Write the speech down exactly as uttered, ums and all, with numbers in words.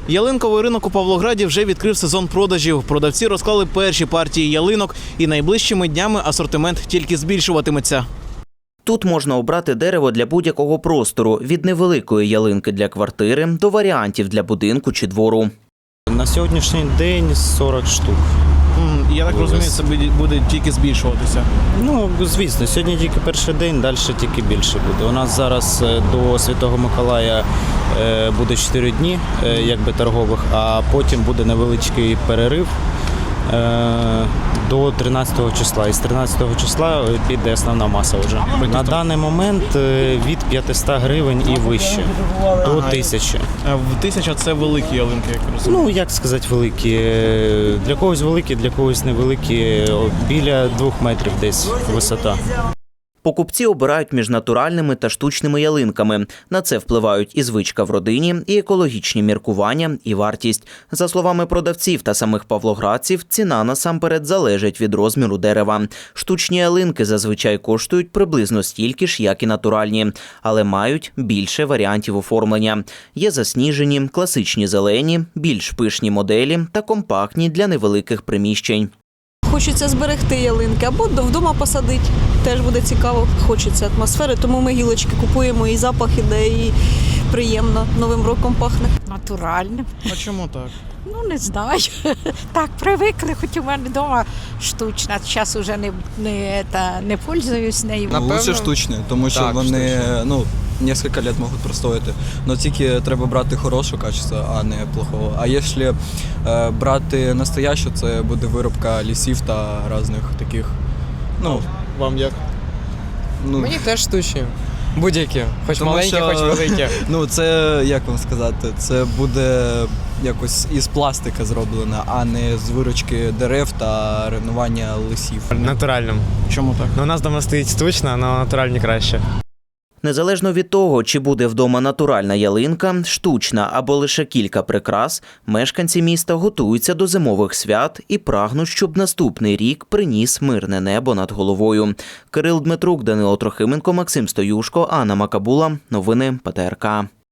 Ялинковий ринок у Павлограді вже відкрив сезон продажів. Продавці розклали перші партії ялинок і найближчими днями асортимент тільки збільшуватиметься. Тут можна обрати дерево для будь-якого простору – від невеликої ялинки для квартири до варіантів для будинку чи двору. На сьогоднішній день сорок штук. Я так розумію, це буде тільки збільшуватися. Ну, звісно, сьогодні тільки перший день, далі тільки більше буде. У нас зараз до Святого Миколая буде чотири дні якби торгових, а потім буде невеличкий перерив до тринадцятого числа. І з тринадцятого числа піде основна маса вже. На даний момент від п'ятисот гривень і вище, до тисячі. В тисяча – це великі ялинки, як розумію? Ну, як сказати, великі. Для когось великі, для когось невеликі. Біля двох метрів десь висота. Покупці обирають між натуральними та штучними ялинками. На це впливають і звичка в родині, і екологічні міркування, і вартість. За словами продавців та самих павлоградців, ціна насамперед залежить від розміру дерева. Штучні ялинки зазвичай коштують приблизно стільки ж, як і натуральні, але мають більше варіантів оформлення. Є засніжені, класичні зелені, більш пишні моделі та компактні для невеликих приміщень. Хочеться зберегти ялинки або вдома посадити. Теж буде цікаво, хочеться атмосфери, тому ми гілочки купуємо, і запах іде, і приємно, Новим роком пахне. Натуральним. А чому так? Ну, не знаю. Так, привикли, хоч у мене вдома штучна. Зараз вже не, не, та, не пользуюсь нею. Напевно, лучше штучні, тому що так, вони ну, кілька років можуть простояти. Але тільки треба брати хорошого качества, а не плохого. А якщо е, брати настоящу, це буде виробка лісів та різних таких. Ну, вам як? Ну, Мені теж штучні. Будь-які, хоч тому маленькі, що, хоч великі. Ну, це, як вам сказати, це буде якось із пластика зроблено, а не з виручки дерев та руйнування лісів. Натуральним. Чому так? Ну, у нас вдома стоїть штучна, але натуральні краще. Незалежно від того, чи буде вдома натуральна ялинка, штучна або лише кілька прикрас, мешканці міста готуються до зимових свят і прагнуть, щоб наступний рік приніс мирне небо над головою. Кирил Дмитрук, Данило Трохименко, Максим Стоюшко, Анна Макабула. Новини Пе Те Ер Ка.